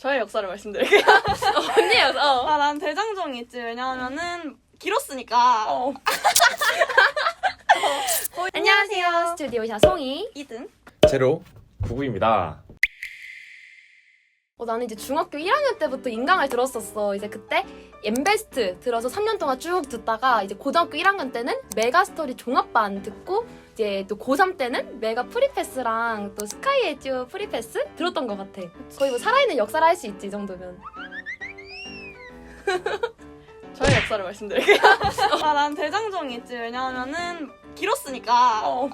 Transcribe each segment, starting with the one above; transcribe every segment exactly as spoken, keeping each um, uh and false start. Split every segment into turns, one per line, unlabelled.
저의 역사를 말씀드릴게요.
언니 역사. 어.
아, 난 대장정이 있지. 왜냐하면은 길었으니까.
어. 안녕하세요. 스튜디오샤 송이.
이등.
제로
구구입니다.
어, 나는 이제 중학교 일 학년 때부터 인강을 들었었어. 이제 그때 엠베스트 들어서 삼 년 동안 쭉 듣다가 이제 고등학교 일 학년 때는 메가스토리 종합반 듣고 이제 또 고삼 때는 메가 프리패스랑 또 스카이 에듀 프리패스 들었던 것 같아. 거의 뭐 살아있는 역사를 할 수 있지, 이 정도면.
저의 역사를 말씀드릴게요. 아, 난 대장정이 있지. 왜냐하면은 길었으니까.
어.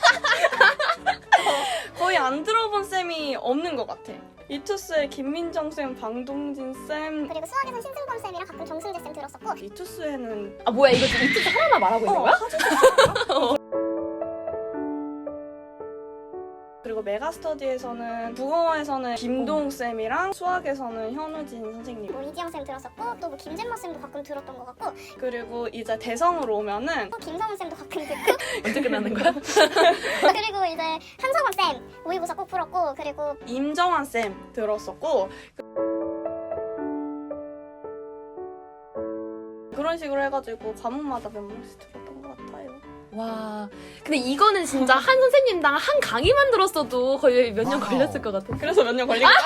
거의 안 들어본 쌤이 없는 것 같아. 이투스의 김민정 쌤, 방동진 쌤.
그리고 수학에서는 신승범 쌤이랑 가끔 정승재 쌤 들었었고
이투스에는
아 뭐야, 이거 지금 이틀째 하나만 말하고 있는 거야?
그리고 메가스터디에서는 국어에서는 김동 쌤이랑 수학에서는 현우진 선생님.
뭐 이지영 쌤 들었었고 또 뭐 김진모 쌤도 가끔 들었던 것 같고
그리고 이제 대성으로 오면은
또 김성훈 쌤도 가끔 듣고
언제 끝나는 거야?
그리고 이제 한서범 쌤 모의고사 꼭 풀었고 그리고
임정환 쌤 들었었고 그런 식으로 해가지고 과목마다 몇 명씩 들었던 것 같아요.
와, 근데 이거는 진짜 한 선생님당 한 강의만 들었어도 거의 몇 년 걸렸을 것 같아.
그래서 몇 년 걸린 거야?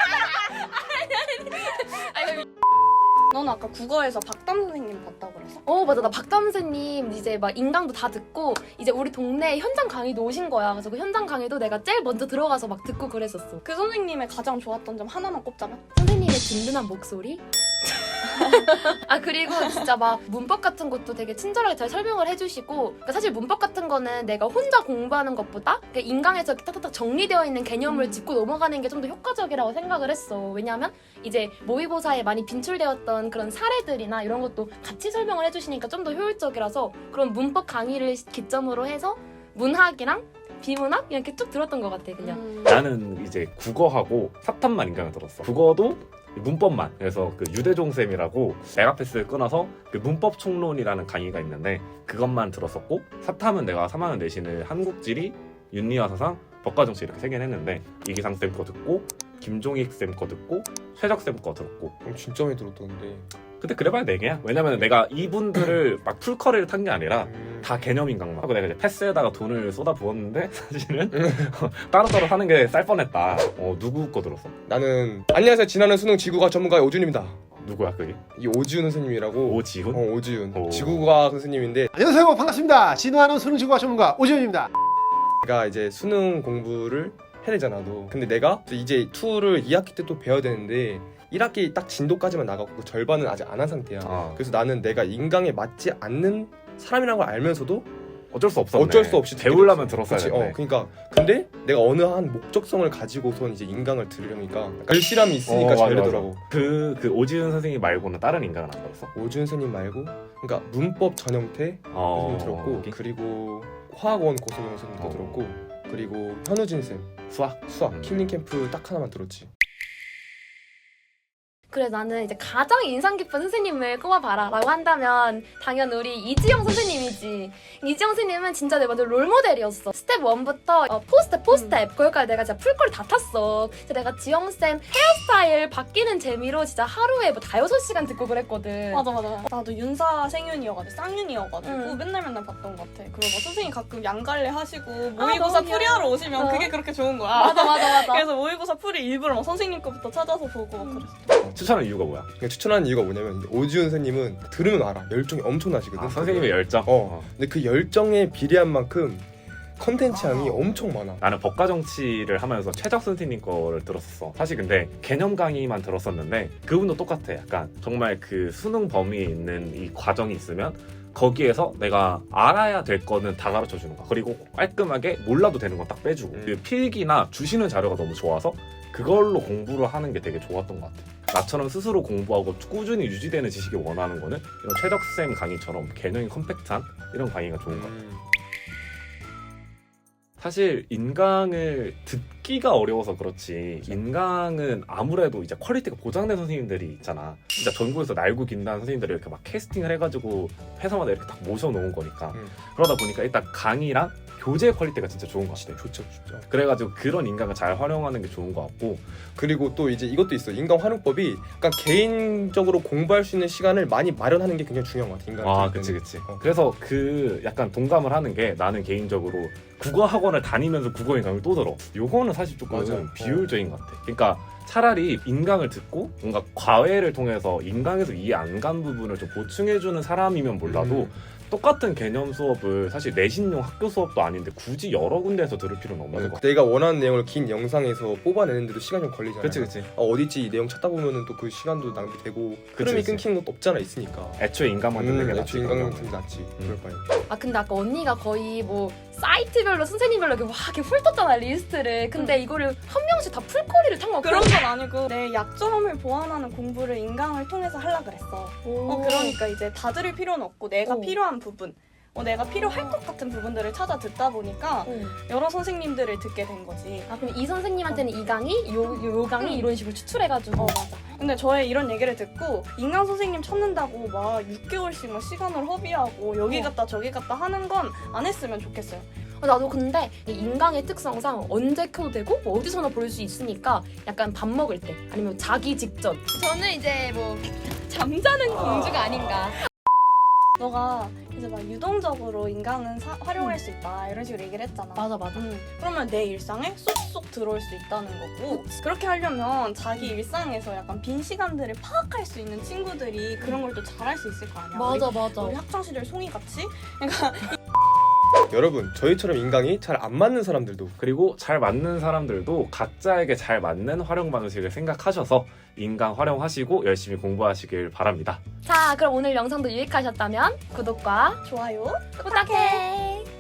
너는 아까 국어에서 박담 선생님 봤다고 그랬어?
어 맞아, 나 박담 선생님 이제 막 인강도 다 듣고 이제 우리 동네 현장 강의도 오신 거야. 그래서 그 현장 강의도 내가 제일 먼저 들어가서 막 듣고 그랬었어.
그 선생님의 가장 좋았던 점 하나만 꼽자면?
선생님의 든든한 목소리? 아 그리고 진짜 막 문법 같은 것도 되게 친절하게 잘 설명을 해주시고, 그러니까 사실 문법 같은 거는 내가 혼자 공부하는 것보다 그러니까 인강에서 이렇게 딱딱딱 정리되어 있는 개념을
음.
짚고 넘어가는 게 좀 더 효과적이라고 생각을 했어. 왜냐하면 이제 모의고사에 많이 빈출되었던 그런 사례들이나 이런 것도 같이 설명을 해주시니까 좀 더 효율적이라서 그런 문법 강의를 기점으로 해서 문학이랑 비문학 이렇게 쭉 들었던 것 같아 그냥.
음.
나는 이제 국어하고 사탐만 인강을 들었어. 국어도 문법만. 그래서 그 유대종 쌤이라고 메가패스를 끊어서 그 문법 총론이라는 강의가 있는데 그것만 들었었고, 사탐은 내가 삼 학년 내신을 한국지리, 윤리와 사상, 법과정치 이렇게 세 개는 했는데 이기상 쌤 거 듣고 김종익 쌤 거 듣고 최적 쌤 거 들었고.
그럼 진짜 많이 들었던데.
근데 그래봐야 네 개야. 왜냐면 내가 이분들을 막 풀커리를 탄 게 아니라
음.
다 개념 인강만 하고 내가 이제 패스에다가 돈을 쏟아 부었는데 사실은 따로따로 하는 게 쌀 뻔했다. 어, 누구 거 들었어?
나는 안녕하세요. 지나는 수능 지구과학 전문가의 오준입니다.
누구야 그게?
이 오지훈 선생님이라고.
오지훈?
어 오지훈.
오.
지구과학 선생님인데
안녕하세요, 반갑습니다. 진화하는 수능지구과 전문가 오지훈입니다.
내가 이제 수능 공부를 해야 되잖아 너. 근데 내가 이제 투를 이 학기 때 또 배워야 되는데 일 학기 딱 진도까지만 나가고 절반은 아직 안 한 상태야.
어.
그래서 나는 내가 인강에 맞지 않는 사람이라는 걸 알면서도
어쩔 수 없었네.
어쩔 수 없이
배우려면 들었어야
그치,
했네.
어, 그러니까 근데 내가 어느 한 목적성을 가지고선 이제 인강을 들으려니까 글씨람이 있으니까
어,
잘
맞아,
되더라고.
그, 그 오지훈 선생님 말고는 다른 인강은 안 들었어?
오준 선생님 말고 그러니까 문법 전형태
어...
선생님 들었고
오케이.
그리고 화학원 고소영 선생님도
어.
들었고 그리고 현우진 쌤
수학?
수학
음.
킬링 캠프 딱 하나만 들었지.
그래, 나는 이제 가장 인상 깊은 선생님을 꼽아봐라 라고 한다면 당연 우리 이지영 선생님이지. 이지영 선생님은 진짜 내 완전 롤모델이었어. 스텝 일부터 어, 포스텝 포스텝 거기까지 내가 진짜 풀거리 다 탔어. 그래서 내가 지영쌤 헤어스타일 바뀌는 재미로 진짜 하루에 뭐 다여섯 시간 듣고 그랬거든.
맞아 맞아. 나도 윤사 생윤이어가지고 쌍윤이어가지고
응.
맨날 맨날 봤던 것 같아. 그리고 막 선생님 가끔 양갈래 하시고 모의고사
너무
풀이하러 오시면
어.
그게 그렇게 좋은 거야.
맞아 맞아 맞아.
그래서 모의고사 풀이 일부러 막 선생님 거부터 찾아서 보고 막 그랬어.
추천하는 이유가 뭐야?
그러니까 추천하는 이유가 뭐냐면 오지훈 선생님은 들으면 알아. 열정이 엄청나시거든.
아, 선생님의 열정?
어. 근데 그 열정에 비례한 만큼 컨텐츠 양이 엄청 많아.
나는 법과정치를 하면서 최적 선생님 거를 들었었어. 사실 근데 개념 강의만 들었었는데 그분도 똑같아. 약간 정말 그 수능 범위에 있는 이 과정이 있으면 거기에서 내가 알아야 될 거는 다 가르쳐 주는 거야. 그리고 깔끔하게 몰라도 되는 건 딱 빼주고
음.
그 필기나 주시는 자료가 너무 좋아서 그걸로 공부를 하는 게 되게 좋았던 것 같아. 나처럼 스스로 공부하고 꾸준히 유지되는 지식을 원하는 거는 이런 최덕쌤 강의처럼 개념이 컴팩트한 이런 강의가 좋은 것 같아.
음.
사실 인강을 듣기가 어려워서 그렇지 인강은 아무래도 이제 퀄리티가 보장된 선생님들이 있잖아. 진짜 전국에서 날고 긴다는 선생님들을 이렇게 막 캐스팅을 해가지고 회사마다 이렇게 딱 모셔놓은 거니까.
음.
그러다 보니까 일단 강의랑 교재 퀄리티가 진짜 좋은 것 같아.
좋죠, 좋죠.
그래가지고 그런 인강을 잘 활용하는 게 좋은 것 같고.
그리고 또 이제 이것도 있어. 인강 활용법이 약간 개인적으로 공부할 수 있는 시간을 많이 마련하는 게 굉장히 중요한 것 같아. 인강.
아, 그치, 그치.
어.
그래서 그 약간 동감을 하는 게 나는 개인적으로 국어 학원을 다니면서 국어 인강을 또 들어. 요거는 사실 조금
맞아.
비효율적인 것 같아. 그러니까 차라리 인강을 듣고 뭔가 과외를 통해서 인강에서 이해 안 간 부분을 좀 보충해주는 사람이면 몰라도
음.
똑같은 개념 수업을 사실 내신용 학교 수업도 아닌데 굳이 여러 군데에서 들을 필요는 없는 것 같아.
내가 원하는 내용을 긴 영상에서 뽑아내는데도 시간이 좀 걸리잖아.
그치, 그치.
아, 어디지 이 내용 찾다 보면은 또 그 시간도 낭비되고 흐름이
그치.
끊기는 것도 없잖아 있으니까.
애초에 인강만 듣는 게
음,
낫지.
애초에
그런
인강
경우는.
같은 게 낫지.
음.
그럴 바에.
아 근데 아까 언니가 거의 뭐 사이트별로 선생님별로 이렇게 와 이렇게 훑었잖아 리스트를. 근데 이거를 한 명씩 다 풀거리를 탄 거.
그런 건 아니고 내 약점을 보완하는 공부를 인강을 통해서 하려 그랬어. 어, 그러니까 이제 다 들을 필요는 없고 내가
어.
필요한 부분, 어, 내가 필요할 것 같은 부분들을 찾아 듣다 보니까 여러 선생님들을 듣게 된 거지.
아 그럼 이 선생님한테는 이 강의, 요, 요, 요 강의
응.
이런 식으로 추출해가지고.
어, 맞아. 근데 저의 이런 얘기를 듣고 인강 선생님 찾는다고 막 육 개월씩 막 시간을 허비하고 여기
어.
갔다 저기 갔다 하는 건 안 했으면 좋겠어요.
어, 나도 근데 이 인강의 특성상 언제 켜도 되고 뭐 어디서나 볼 수 있으니까 약간 밥 먹을 때 아니면 자기 직전. 저는 이제 뭐 잠자는 공주가 아닌가.
너가 이제 막 유동적으로 인강은 사- 활용할 수 있다 이런 식으로 얘기를 했잖아.
맞아 맞아.
음, 그러면 내 일상에 쏙쏙 들어올 수 있다는 거고 그렇게 하려면 자기 일상에서 약간 빈 시간들을 파악할 수 있는 친구들이 그런 걸 또 잘할 수 있을 거 아니야.
맞아 맞아.
우리, 우리 학창시절 송이같이 그러니까
여러분 저희처럼 인강이 잘 안 맞는 사람들도
그리고 잘 맞는 사람들도 각자에게 잘 맞는 활용 방식을 생각하셔서 인강 활용하시고 열심히 공부하시길 바랍니다.
자 그럼 오늘 영상도 유익하셨다면 구독과
좋아요.
부탁해.